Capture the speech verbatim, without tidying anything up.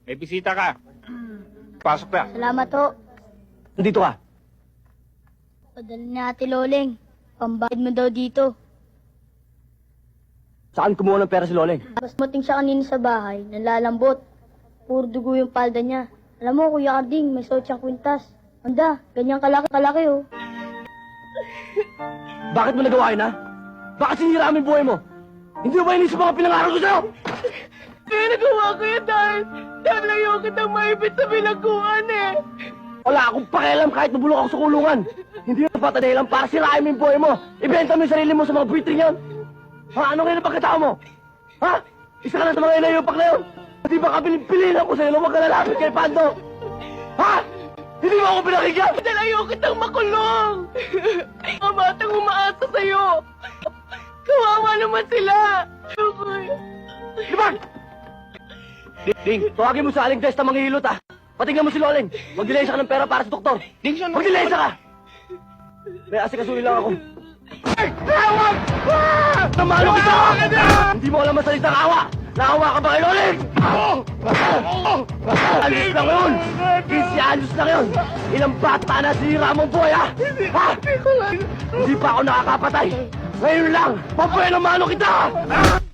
May bisita ka. Pasok na. Salamat ho. Nandito ka. Padala ni Ate Loleng. Pambayad mo daw dito. Saan kumuha ng pera si Loleng? Mas muting siya kanina sa bahay, nalalambot. Puro dugo yung palda niya. Alam mo, Kuya Arding, may suot siyang kwintas. Anda, ganyan kalaki-kalaki oh. Bakit mo nagawa yun, ha? Bakit sinira mo yung buhay mo? Hindi mo ba inisip mga pinangarap ko sa'yo? Kaya nagawa ko yan dahil, dahil ayaw kitang maibit sa bilangguan eh. Wala akong pakialam kahit mabulok ako sa kulungan. Hindi mo bata dahilan para sirain mo yung buhay mo. Ibenta mo yung sarili mo sa mga buitring yan. Ha? Ano ngayon ang pagkatao mo? Ha? Isa ka na sa mga inayupak na yun. Hindi ba kabilin-pilinan ko sa'yo na huwag ka lalapit kay Pando? Ha? Hindi mo ako pinakinggan? Dahil ayaw kitang makulong. Mga batang umaasa sa'yo. Kawawa naman sila. Libag! Ding, tawagin mo sa aling testa manghihilot, ha? Patingnan mo si Loleng. Magdilensya ka ng pera para sa doktor. Ding, siya na. Magdilensya ka! May asikasuhin lang ako. Ay! Tawag! Ah! Namalo kita! Hindi mo alam masalitang awa! Naawa ka ba kay Loleng? Alis lang yun! fifteen anos lang yun! Ilang bata na sinira mong buhay, ha? Ha? Hindi pa ako nakakapatay! Ngayon lang! Papuelo mano kita!